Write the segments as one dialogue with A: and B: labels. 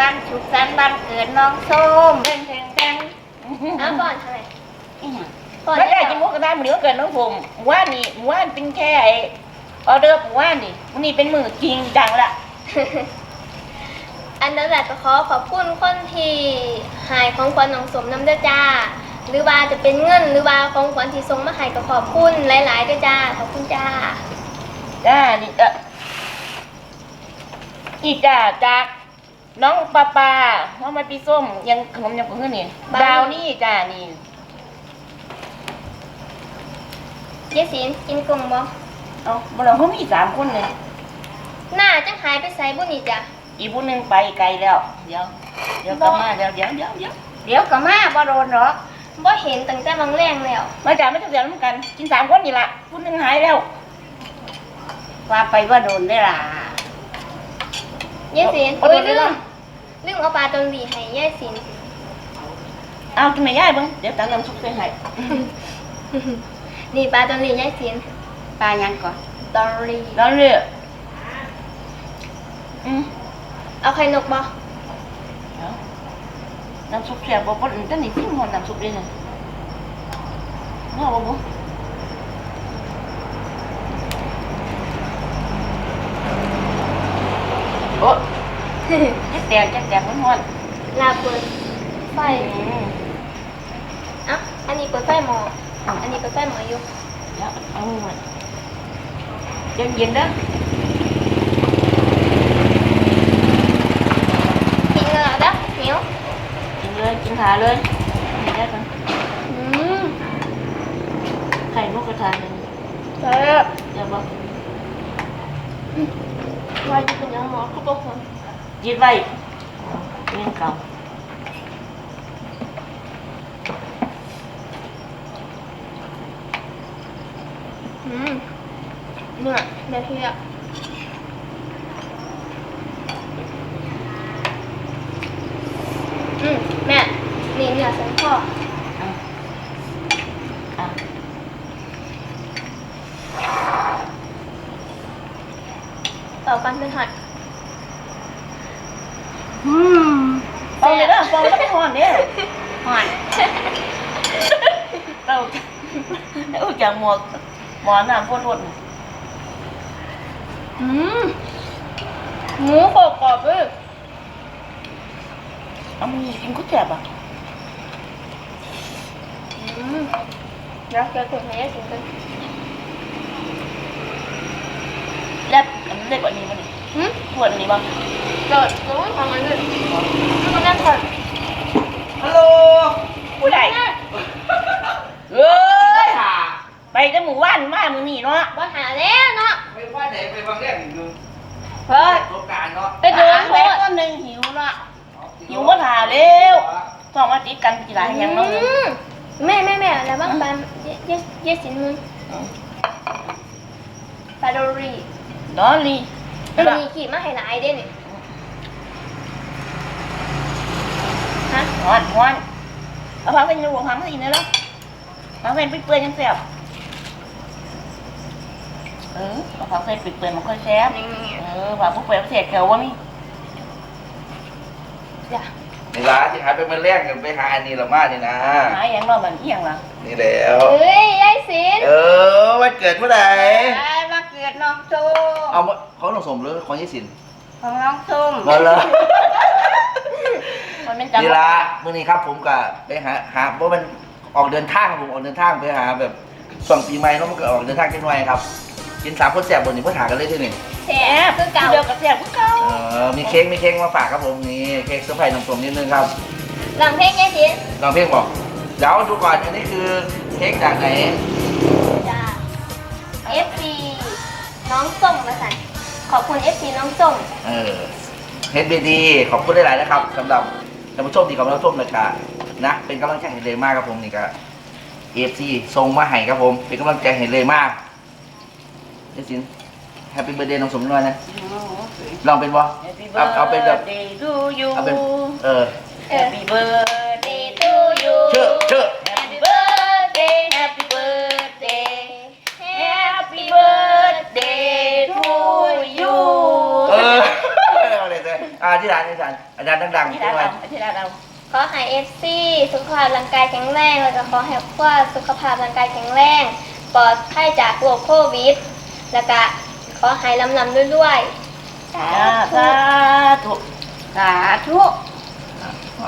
A: วันสุขสันต์วันเกิดน้องส้มเพ่ง
B: อ้าวก่อนทำไม
A: ก่อนไม่ได้จิมุกกระทะมันเดี๋ยวเกิดน้องผมว่านี่ว่าเป็นแค่ออเดอร์ว่านี่วันนี้เป็นมือจริงจังละ
B: อันนั้นแหละก็ขอบคุณคนที่หายของขวัญน้องสมน้ำเด้อจ้าหรือว่าจะเป็นเงินหรือว่าของขวัญที่ส่งมาให้ก็ขอบคุณหลายๆด้วยจ้าขอบคุณจ้า
A: นี่อีจ้าจากน้องปลาว่ามาปีส้มยังขนมยังเพื่อนนี่ดาวนี่จ้านี่
B: เยสินกินกลมบ่
A: เอาเราเขามี3 คนเลย
B: หน้าจังหายไปใส่บุญนี่จ้ะ
A: อีผู้นึงไปไกลแล้วเดี๋ยวกลับมาเดี๋ยวกลับมาบ่โดนหรอก
B: บ่เห็นตั้งแต่บางแรงแล้ว
A: มาจากไม่ต้องเสียน้ำกันกิน3 คนนี่ละผู้นึงหายแล้วว่าไปว่าโดนได้ล่ะ
B: เยสินลืมเอาปลาตนบีให้เยสิน
A: เอากินไม่ย่ายบ้างเดี๋ยวตั้งน้ำซุปใส่ให้
B: นี่ปลาตนบีเยสิน
A: ปลายังก่อน
B: ตอนรีเอาไข่นกบ่
A: น้ำซุปแซ่บบ่ปนตั้งนี่ทิ้งหมดน้ำซุปเลยนะน่าบ่โอ้จักแตกมัน
B: ลาเปิดไฟอ่ะอันนี้เปิดไฟหม้ออันนี้เปิดไฟหม้ออยู่
A: เดี๋ยวเอาหมดเย็นๆเด้อ
B: กินเลยเด้อเหนียว
A: กินเลยกินขาเลยนี่ได้กันไข่นกกระทาหนึ่ง
B: เดี๋
A: ยวบอก
B: ว่าจะเป็นยังหมอเขาบอกคน
A: ยึดไว้เล่นเก่า
B: เนื้อเดี๋ยวเทียบแม่นี่เนื้อสันคอต่อกันเป็นหัด
A: เป่าเลยนะเป่าแล้วไม่หอนเนี่ยหอนเป่าจากหมอนน้ำพ่น
B: หมูกรอบเลย
A: เอามือกินก็แจ็บอ่ะ
B: แล้วแกคนให้กินกัน
A: เล็บมันเล็กกว่านี้มั้ยขวดนี้บ้าง
B: เกิดทำมันเลยมันนั่งก่อน
A: ฮัลโหลผู้ใหญ่เอ้ยไปจะหมู่บ้านมามือนี่เนาะ
B: บ้านหาแล้วเนาะ
C: ไปบ้านไหนไปบางแรกอยู่
A: เฮ้ย
C: โครงการเนาะ
B: ไปดู
A: แม่ก็นึงหิวเนาะหิวก็ถาเร็วต้องมาติดกันกี่หลายอย่างเนาะ
B: แม่แล้วบ้างปลาเยสินมึงปลาดอรี่มีขี่มาให้หลายเด้นี่ฮะ
A: ฮอนเอาพักเป็นรูพักไม่ดีเนอะพักเป็นเปื่อยยังแซ่บเอาพักเป็นเปื่อยมันค่อยแซ่บพักเปื่อยเสียแถววะนี่
B: จ้ะ
C: นี่ละที่หายไปมันแรกกันไปหาอันนี้ละมานี่นะ
A: หายอย่างเราเหมือนเอียงล่ะ
C: นี่แล้ว
B: ยายศิลป์
C: วันเกิดเมื่อไหร่
A: วันเกิดน้องส้ม
C: เอาของน้องสมหรือของยายศิลป์
A: ของน้องส้ม
C: มาเลยนี่ละเมื่อนี้ครับผมก็ไปหาเพราะมันออกเดินทางผมออกเดินทางไปหาแบบส่งปีใหม่แล้วมันก็ออกเดินทางกันหน่อยครับกิน3 คนแสบบนนี้เพื่อหากันเลยที่หนึ่ง
B: แสบคือเก่า
A: เดียวกับแสบคือเก่า
C: มีเค้กมาฝากครับผมนี่เค้กเซอร์ไพรส์น้องสมนิดนึงครับ
B: ลองเพลงยายศิลป์
C: ลองเพลงบอกเดี๋ยวดูก่อนอันนี้คือเค้กจากไหน
B: จ้า FC น้องส้มมาสั่นขอบคุณ FC น้องส้ม
C: HBD ขอบคุณหลายๆนะครับสำหรับท่านผู้ชมที่กำลังรับชมนะเป็นกำลังใจให้เลยมากครับผมนี่ก็ FC ส่งมาให้ครับผมเป็นกำลังใจให้เลยมากนี่สิแฮปปี้เบิร์ดเดย์น้องสมน้อยนะลองเป็นวะเอาเป็นแบบเอาเป็น
A: Happy birthday to you
C: ชื่อ
A: Happy birthday Happy birthday Happy birthday to you
C: อะไรที่ร้านอาจารย์ดังๆ
A: ที่
C: ใช่
A: ร้าน
C: ไหม
A: เราที่ร้านเรา
B: ขอให้ FC สุขภาพร่างกายแข็งแรงแล้วก็ขอให้ครอบครัวสุขภาพร่างกายแข็งแรงปลอดภัยจากโรคโควิดแล้วก็ขอให้ลำด้วยๆสา
A: สา
B: ธุ
A: ธุสาธุ
C: เอา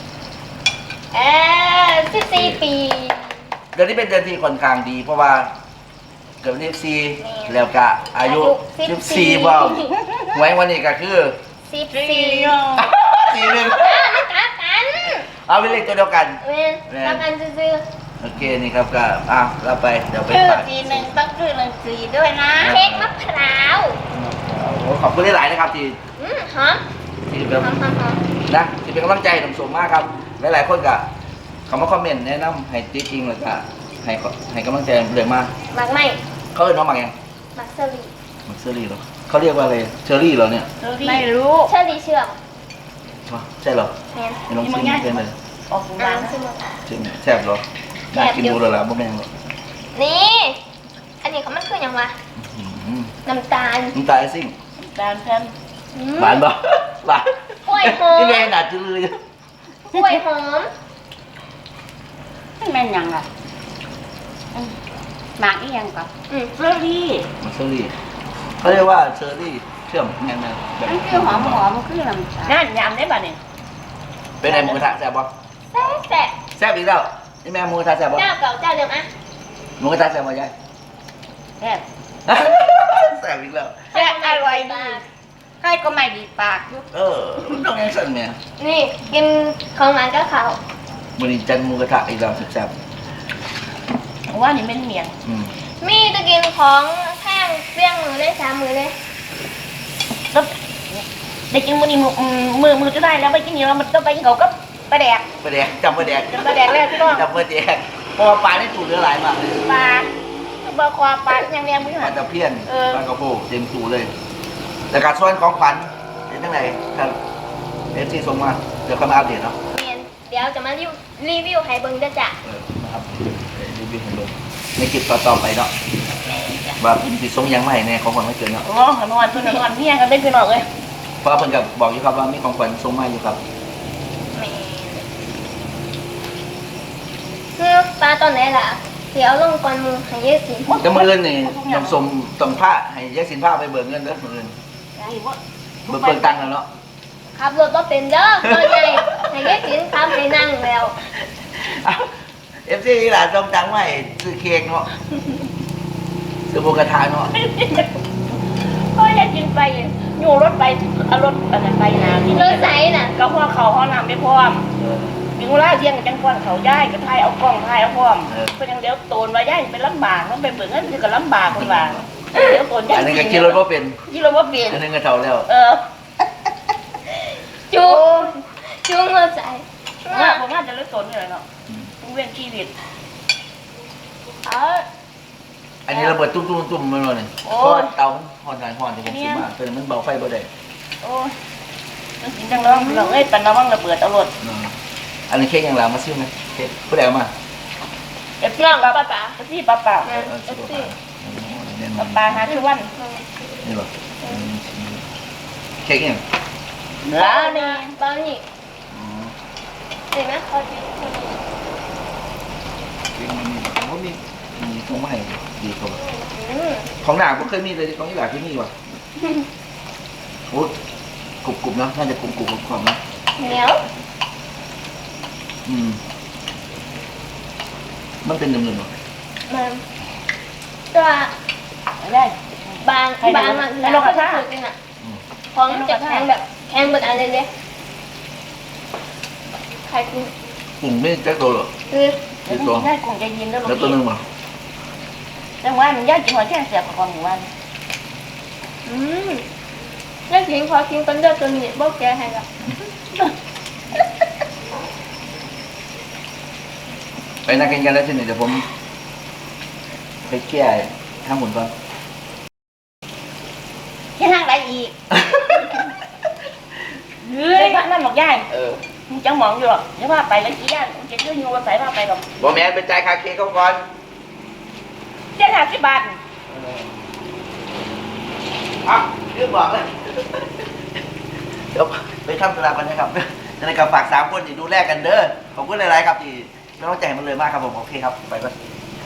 B: 14 ปี
C: เดือนนี้เป็นเดือนที่ค่อนข้างดี เพราะว่าเกิดวันที่14แล้วก็อายุ14บ่าวไว้วันนี้ก็คือ
B: 14
C: 41
B: ไม่กลับกัน
C: เอาเป็นเลขตัวเดียวกัน
B: แม่นกลับกันซื่อ
C: โอเคนี่ครับก็เราไปเดี๋ยวไป
A: ชื่อ
C: ฝาก
A: ทีหนึ่งต้องชื่อหนึ่งสีด้วยนะ
B: ๆเค้กมะพร้าว
C: โอ้ขอบคุณหลายๆนะครับที่
B: หอม
C: ที่แบบ
B: หอม
C: นะที่เป็นกำลังใจสมสมมากครับหลายๆคนก็เขามาคอมเมนต์แนะนำให้จริงๆแล้วก็ให้กำลังใจเลยมาก
B: หมักไหม
C: เขาเรียกน้องหมักยัง
B: หมักเชอรี่
C: หมักเชอรี่เหรอเขาเรียกว่าอะไรเชอรี่เหรอเนี่ย
A: ไม่รู้
B: เชอรี่เชื่อม
C: ใช่เหรอ
B: แม่น
C: ไม่ลองชิมเป็นเลย
A: ออก
B: อ่า
A: ร้าน
B: นชื่อมัน
C: ชิมแซ่บเหรอน่ากินดูเลยล่ะบ่แม่งหรอก
B: นี่ อันนี้เขามันคืออย่างวะ
C: อื้อหือ
B: น้ำตาล
C: น้ำตาลไอซิ่ง
A: ร้านเพิ่ม
C: หวานปะหวาน
B: กล้วยหอม
C: นี่แม่หนาจืดเลย
B: กล้วยหอม
A: แม่นยังอ่ะหมากนี่ยังก่อน เชอรี่
C: มันเชอรี่เขาเรียกว่าเชอรี่เชื่อมแม่แบบ
A: มันคือหอมมันคือน้ำตาลนั่นยำได้ป่ะเนี่ย
C: เป็นไงหมูกระทะแซ่บปะ
B: แซ่บ
C: แซ่บอีกแล้วนี่แม่หมูกระทะแซ่บปะ
B: เจ้าเก่าเจ้าเดิมอ่ะ
C: หมูกระทะแซ่บปะยาย
A: แซ่บ
C: แซ่บอีกแล้ว
A: แซ่บอร่อยดีใครก็ไม่ดีปากยุ
C: ต้องยังสั่นแม่
B: นี่กินของหวานก็เขา
C: มื้อนี้จันหมูกระทะอีกแล้วแซ่บ
A: ว่านี่เป็นเมียง
C: อืม
B: มีจะกินของแห้งเปรี้ยงมือเลย3 มือเลย
A: แล้วได้กินมือจะได้แล้วไปกินเยอะมันต้องไปกินเขาก็ปลาแดก
C: ปลาแดกจำปลาแดก
A: ปลาแดกแรกพี่น้อง
C: จำปลาแดกเพราะว่าปลาได้ถูกเนื้อหลายมากเลย
A: ปลาบะควาปลาอย่างเนี้ยมือ
C: ป
A: หั
C: ลาน ตะเพียน
A: เออ
C: ปลากระโพกเต็มถูเลยแต่การส่วนของขวัญเป็นยังไงครับFC ส่งมาเดี๋ยวค่อยมาอัปเดตเนาะ
B: เมียนเดี๋ยวจะมารีวิวให้เบิ่งเด้อจ้ะ
C: มาอัปเดตรีวิวให้เบิ่งในคลิปต่อๆไปเนาะว่าสิส่งยังไม่แน่ของขวัญไม่เกินเนาะ
A: โอ้นอนเพื่อนนอนเมียกันได้พี่น้องเลย
C: เพราะว่าเพิ่นก็บอกอยู่ครับว่ามีของขวัญส่งมาอยู่ครับ
B: คือปลาตอนไหนล่ะเดี๋ยวลงก่อนมือให้เยอะสิ
C: แต่มื้ออื่นนี่ต้องส่งต้องผ้าให้แยกสินผ้าไปเบิกเงินเด้อมื้ออื่นเบิกตังค์แล้วเนาะ
B: ขับรถบ่เป็นเด้อตอนใหญ่ให้เยอะสิขับให้นั่งแล้ว
C: FC นี่ล่ะส่งตังค์มาให้ซื้อเค้กเนาะซื้อหมูกระทะเนาะ
A: ก็อยากกินไปอยู่รถไปเอารถอะไรไปนะที่
B: ร
A: นี่
B: ถใสน่ะ
A: ก็พ่อเขาห้องน้ำไม่พร้อม
C: เออ
A: มีเวลาเที่ยงจังก่อนเขาย้ายก็ทายเอากล้องทายเอาพร้อม
C: เออ
A: เพื่อนยังเดี๋ยวโตนมาย้ายเป็นลำบากต้องไปเบิ่งเงินคือก็ลำบากคนว่าเดี๋ยวโตนย้าย
C: อันนึงก็ขี่รถบ่เป็น
A: ที่เราว่าเปลี่ยน
C: อันนึงก็เท่าแล้ว
B: จูหัวใจ
A: ผมว่าจะเลิกโตนเลยเนาะเวียนชีวิต
C: อันนี้ระเบิดตุ้มๆๆมันว่านี่
A: โอ้
C: เพราะ
A: ย
C: ว่าเตาฮ้อนๆที่ผมซื้อมาแต่มันเบาไฟบ่ได้
A: โอ้ยมันกินจังร้องเราเอ้ยปันระวังระเบิดเอารถ
C: อันนี้เค้กยังหลามาซื้อไหมเค้กผู้ใดเอามา
A: เอฟซีป้าป๋าเอฟซีป้าป๋า
C: เออซื้อมาแน่นอ
A: ป้าน ป๋าหาชื่อวัน
C: นี่หรอเค้กยัง
A: ร้านนี้
B: ตอนนี้
C: อ๋อ
B: เห็นไหมเขาดี
C: เค้กมันผมว่ามีของใหม่ดีกว่า
B: อืม
C: ของหนาผมเคยมีเลยของที่หลาที่นี่ว่ะโอ้กรุบๆนะน่าจะกรุบๆความนะ
B: เหนียว
C: มันเป็นหนึ่งๆหรอ
B: มันตัว
A: ได้
B: บางมันแล้วก็สุดจริงอ่ะของจะแข็งแบบแข็งแบบอะไรเลยใครกิน
C: กลุ่มไม่แจ็คตัวหรอ
B: คือ
C: คือตัว
A: ได้คงจะยินแล้ว
C: แล้วตัวหนึ่งมั้ง
A: แต่ว่ามันยากกินหัวแค่เสียบกับหมู่บ้าน
B: อืมแล้วกินพอกินกันเดือดตัวนี้บอกแกให้ละ
C: ไปนักกินกันแล้วทีนี้เดี๋ยวผมไปแก้ข้างหมุนก่อน
A: แค่ทางไรอีกเฮ้ยนั่นหมอกย่ายมึงจังหมองอยู่หรอกเดี๋ยวว่าไปแล้วกี่ย่านมึงจะเชื่อยูว่าใส่ว่าไปหรอก
C: บอแมนไปจ่ายค่าเค้กเขาก่อน
A: 750 บาท
C: อ่ะเรื่องบอกเลยเดี๋ยวไปทำธุระกันนะครับในการฝาก3 คนที่ดูแลกันเด้อขอบคุณหลายๆครับที่ไม่ต้องใจมันเลยมากครับผมโอเคครับไปก่อน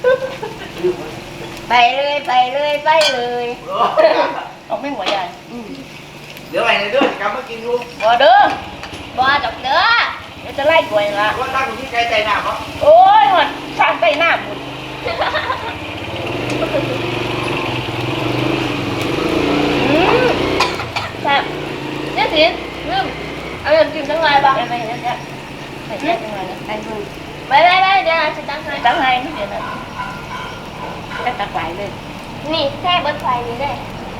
A: ไปเลยไปเลยไปเลยเอาไม่หัวใหญ่
C: เดี๋ยวไปในเด้อกลับมากินลูก
A: บ่เด้อ
B: บ่ดอกเด้อ
A: เดี๋ยวจะไล่กล้วยละ
C: ว่าตั้งอยู่ที่ไกลใจหนาเนาะ
A: โอ้ยหอดทางไปหน้าบุญ
B: แซ่บเนี่ยสิลืมเอาอย่างกินทั้งไงบ่
A: ไปไปเนี่ยไปเนี่ยจังเลยนะไอ้บุญ
B: ไปเดี๋ยวฉันตั้งให้
A: ตั้งไงนี่เดี๋ยวนะจะตักไหลเลย
B: นี่แค่เบิดไฟนี่ได้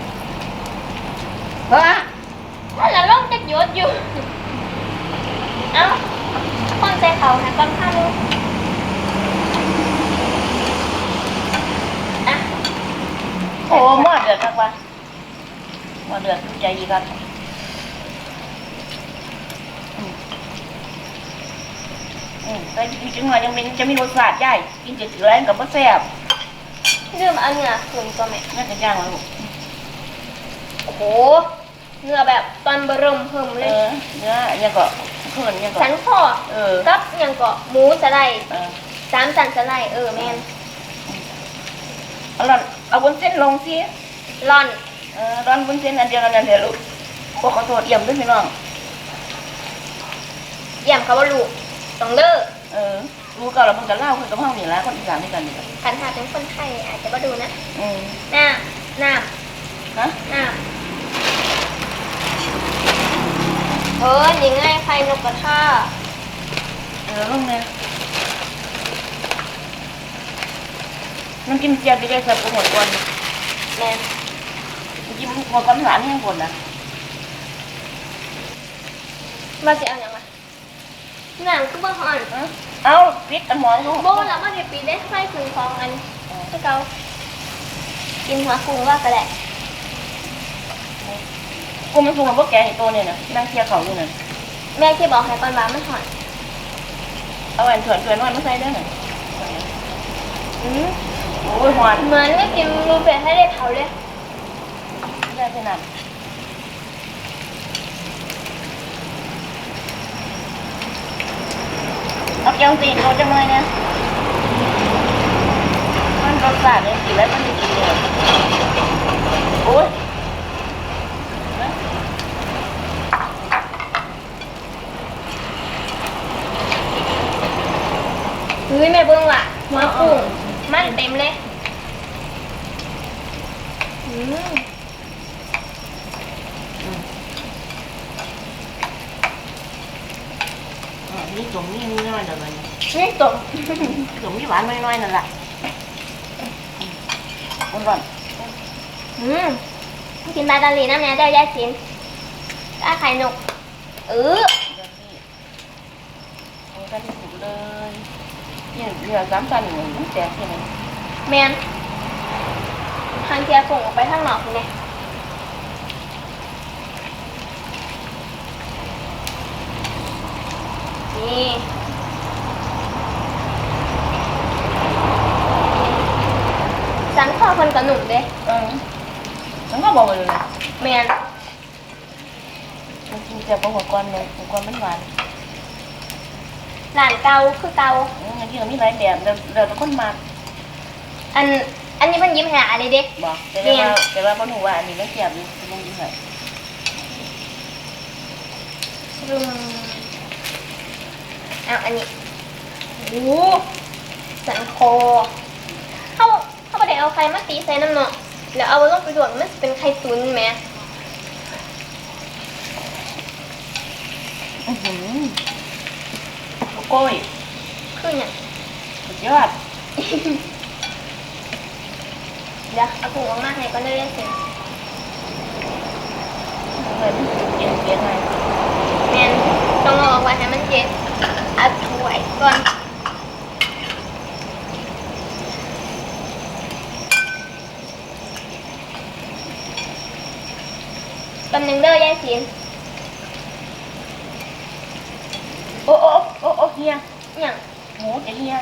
A: เพราะว่า
B: ถ้าเราลงจะหยุดอยู่ เอ้าคนใจเขาหาก้อนข้าวลูกอ่ะ
A: โอ้หม้อเดือดครับว่าหม้อเดือดใจดีครับแต่จริงๆมันยังเป็นจะมีรสชาติใหญ่กินจะถือแรงกับมะแซ่บ
B: ลืมเอาเนื้อคืนก็แม่
A: น่าจะย่างมาลูก
B: โอ้โห เนื้อแบบตอนเบรมเพิ่มเลย
A: เนื้อเนี่ยก็เพิ่นเนี่ยก็
B: สันคอ
A: อ
B: กับยังก็หมูสไลด์
A: เออ
B: 3 สันสไลด์แมน
A: เอาล่ะเอาบนเส้นลงสิ
B: ร่อน
A: ร้อนบนเส้นอันเดียวกันนั่นเดี๋ยวลูกขอโทษเยี่ยมด้วยพี่น้อง
B: เยี่ยมเขาว่าลูกต้องเด้อ
A: รู้ก็เราเพิ่งจะเล่าคนกับห้องนี่ละคนอีสานด้วยกันนี่
B: คันหาเป็นคนไทยอาจจะมาดูนะ น้
A: ฮะ
B: ยังไงไข่นกกระทา
A: ลูกเนี่ยน้ำจิ้มเจียวไปได้ใส่กุ้งหมดก่อน
B: แมน
A: น้ำจิ้มหมดความหวานให้หมดนะ
B: มาสิเอาอย่างไรหนังคือบ่ห่อน
A: เอาพริกอันหมอนเขา
B: โบแล้วมาเดี๋ยวปีได้ไข่คืนของอันที่เขากินหัวกุ้งว่าก็แหละ
A: กูไม่ปรุงกับพวกแกเห็นตัวเนี่ยนะนั่งเคี่ยวเขาอยู่น่ะ
B: แม่ที่บอกให้ก่อนว่ามันห่อน
A: เอาแหวนเถื่อนน้อยมาใส่ได้หน่อยโอ้ยหวาน
B: เหมือนไม่กินรูเป็ดให้ได้เผาเลย
A: ได้ขนาดเอาแกงตีนโรจังเลยเนี่ยมันรสชาติเนี่ยกินแล้วมันดีเลยโอ้ย
B: เฮ้ยแม่เบิ้งว่ะหัวกุ้งมันเต็มเลยอืม
A: นี่ตรงนี้น้อยๆเดี๋ยวมัน
B: นี่ตก
A: ตรงนี้หวานน้อยๆนั่นแหละร้อน
B: กินปลาตาลีน้ำเนี้ยได้แยกชิ้นก็ไข่นก
A: ๆเดี๋ยวนี้เอากันที่สุดเลยเนี่ยเหลือ3 ตันอยู่มันแตกใช่ไหม
B: แมนทางเทียส่งออกไปข้างนอกนี่นี่สันคอคนกับหนุ่มเด้
A: ฉันก็บอกเลย
B: แมน
A: มันกินแต่หัวก้อนเลยหัวก้อนมันหวาน
B: หลานเกาคือเกา
A: อย่างที่เรามีหลายแบบเราต้องคนมา
B: อันนี้มันยิ้มหาอะไรเด็ก
A: บอกแต่ว่าพ่อหนูว่าอันนี้ไม่เสียบเลยมึงยิ่งเลย
B: รุมเอาอันนี้โอ้สันคอเขาไม่ได้เอาไข่มาตีใส่น้ำเนาะแล้วเอาลงไปดวกมันเป็นไข่ตุ๋นไหม
A: โก้ย
B: คือเนี่ย
A: สุดยอด
B: เดี๋ยวเอาถุงออกมาให้ก็ได้เลยสิ
A: เลยเย็นเย็นไง
B: แมนต้องเอาออกไว้ให้มันเย็นเอาถ้วยก่อนตำหนึ่งเด้อยายสิน
A: โอ้เฮีย
B: อย่าง
A: หมูจะเฮีย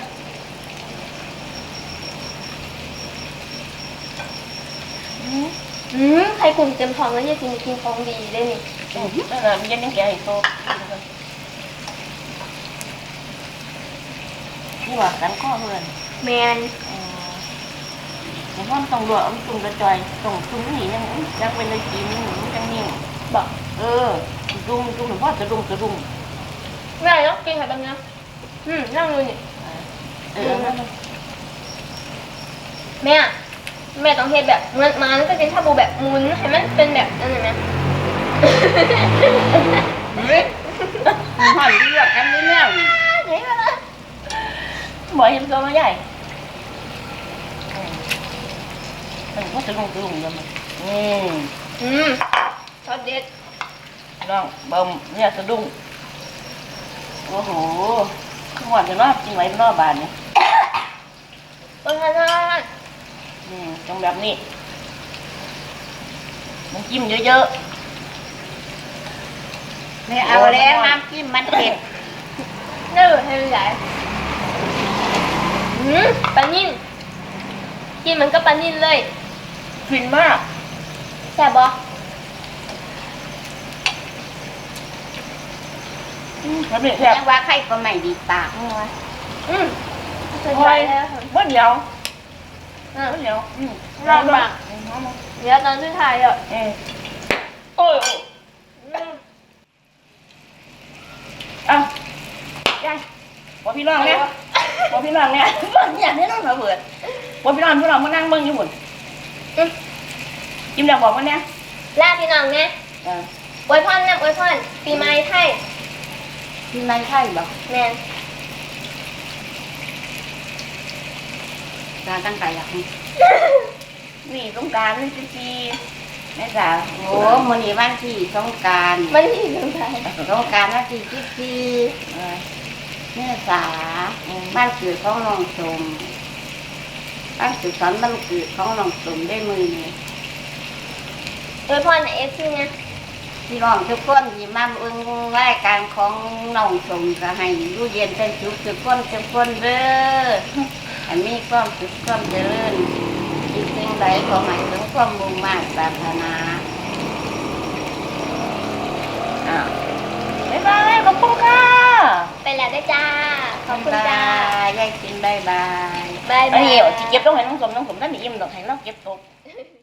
B: ใครกลุ่มเต็มท้องแล้วยายสิกินของดีได้นี่
A: นั่นแหละมันยังแก่ให้โตนี่ว่ากันข้อเพื่อน
B: แมน
A: อย่างว่ามันต้องรวมตุ่มกระจอยต้องตุ่มนี่ยังยังเป็นเลยกินมันจังนิ่ง
B: บอก
A: ตุ่มหรือว่าจะดุม
B: แม่ต้องกินไข่บางนะนั่งดูนี่แม่ต้องเฮ็ดแบบมันก็เป็นชาบูแบบหมุนให้มันเป็นแบบนั่นนะ
A: หันเลือกกันนี่แน่
B: เฮ้ยมาละ
A: บ่เห็นตัวมาใหญ่ว่าจะดุมยังไง
B: ช็อตเด็ด
A: น้องเบิ่มเนี่ยสะดุ้งโอ้โหขวดจะนอกจริงไหมนอกบานเนี่ย
B: ต้นกันนะ
A: ตรงแบบนี้มันจิ้มเยอะๆไม่เอาแล้วน้ำจิ้มมันเผ็ด
B: น่าดูให้ใหญ่ปลานิ่นกินมันก็ปลานิ่นเลย
A: ฟินมาก
B: แซ่บบ่
A: มันเป็นแบบ
D: ยังว่าใครก็ไม่ดีปาก
B: สนใจแล้ว
A: ว่าเดียวเดี๋ยว
B: ลองบ้างเดี๋ยวตอนที่ถ่ายอ่ะ
A: โอ้ยเอายายบอกพี่น้องเนี่ยบอกพี่น้องเนี่ยบอกอย่างนี้ต้องระเบิดบอกพี่น้องมานั่งเบิ่งอยู่หมดจิ้มดาวบอกว่าเนี่ย
B: ลาพี่น้องเนี่ยอวยพรนะอวยพรปีใหม่ไทย
D: ที่ไม่ใช่บอก
B: แมน
D: การตั้งใจอยากให้
A: นี่ต้องการนี่จีแม่จ๋า
D: โอ้มื้อนี้วันที่สงกรานต์
B: มันที่สงสัย
D: สงกรานต์วันที่14เมษาบ้านเกิดของน้องสมบ้านสุขสันต์บ้านเกิดของน้องสมได้มือนี้
B: อวยพรนะเอฟซีนะ
D: พี่น้องทุกคนที่มาเบิ่งรายการของน้องสมก็ให้อยู่เย็นเป็นสุขทุกคนเด้อให้มีความสุขความเจริญคิดสิ่งใดขอให้ถึงความมุ่งมั่นปรารถนา
A: บ๊ายบายขอบคุณค่ะ
B: ไปแล้วได้จ้า ขอบคุณจ้า
D: ยายกินบายบาย
B: บาย
A: อั
B: บาน
A: นี้
B: ย
A: จะเก็บต้องให้น้องสมนั่นอิ่มต้องให้น้องเก็บตก